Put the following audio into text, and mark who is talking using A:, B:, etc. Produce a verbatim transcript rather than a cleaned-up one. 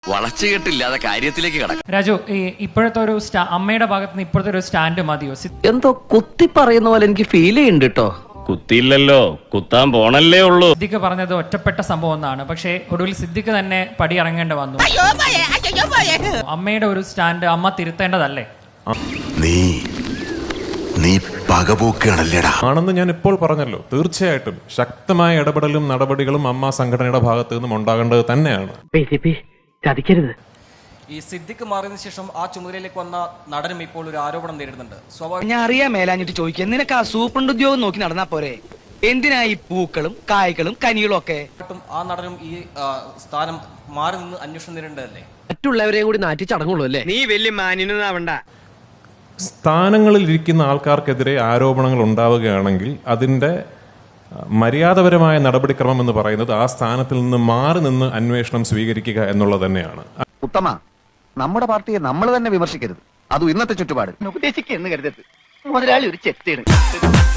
A: വളച്ചുകെട്ടില്ലാതെ കാര്യത്തിലേക്ക് കടക്കാം.
B: രാജു, ഈ ഇപ്പോഴത്തെ ഒരു അമ്മയുടെ ഭാഗത്ത് നിന്ന് ഇപ്പോഴത്തെ ഒരു സ്റ്റാൻഡ് മതിയോ?
C: എന്തോ കുത്തി പറയുന്ന പോലെ എനിക്ക് ഫീൽ ചെയ്യുന്നുണ്ട് കേട്ടോ.
D: കുത്തിയില്ലല്ലോ, കുത്താൻ പോണല്ലേ ഉള്ളൂ.
B: സിദ്ദിഖ് പറഞ്ഞത് ഒറ്റപ്പെട്ട സംഭവം എന്നാണ്. പക്ഷേ ഒടുവിൽ സിദ്ദിഖ് തന്നെ പടി ഇറങ്ങേണ്ടി വന്നു. അമ്മയുടെ ഒരു സ്റ്റാൻഡ് അമ്മ തിരുത്തേണ്ടതല്ലേ?
E: നീ നീ പകപോക്കാണല്ലേടാ
F: ആണെന്ന് ഞാൻ ഇപ്പോൾ പറഞ്ഞല്ലോ. തീർച്ചയായിട്ടും ശക്തമായ ഇടപെടലും നടപടികളും അമ്മ സംഘടനയുടെ ഭാഗത്തു നിന്നും ഉണ്ടാകേണ്ടത് തന്നെയാണ്.
C: ചതിക്കരുത്.
G: ഈ സിദ്ദിഖ് മാറിയതിനു ശേഷം ആ ചുമതലയിലേക്ക് വന്ന നടനും ഇപ്പോൾ ഒരു ആരോപണം നേരിടുന്നുണ്ട്. സ്വാഭാവിക
H: ഞാൻ അറിയാൻ മേലാഞ്ഞിട്ട് ചോദിക്കുക, നിനക്ക് ആ സൂപ്രണ്ട് ഉദ്യോഗം നോക്കി നടന്നാ പോരെ? എന്തിനാ ഈ പൂക്കളും കായ്കളും കനികളും ഒക്കെ?
G: ആ നടനും ഈ സ്ഥാനം മാറി നിന്ന് അന്വേഷണം നേരിടേണ്ടതല്ലേ?
C: മറ്റുള്ളവരെയും കൂടി നാറ്റി ചടങ്ങുള്ളൂ അല്ലേ?
H: നീ വലിയ മാന്യനാവണ്ട.
F: സ്ഥാനങ്ങളിൽ ഇരിക്കുന്ന ആൾക്കാർക്കെതിരെ ആരോപണങ്ങൾ ഉണ്ടാവുകയാണെങ്കിൽ അതിൻ്റെ മര്യാദപരമായ നടപടിക്രമം എന്ന് പറയുന്നത് ആ സ്ഥാനത്തിൽ നിന്ന് മാറി നിന്ന് അന്വേഷണം സ്വീകരിക്കുക എന്നുള്ളത് തന്നെയാണ്.
I: ഉത്തമ, നമ്മുടെ പാർട്ടിയെ നമ്മൾ തന്നെ വിമർശിക്കരുത്. അതും ഇന്നത്തെ ചുറ്റുപാട്.
H: ഉപദേശിക്കുന്നു കരുതരുത്. മുതലാളി ഒരു ചെത്തിയാണ്.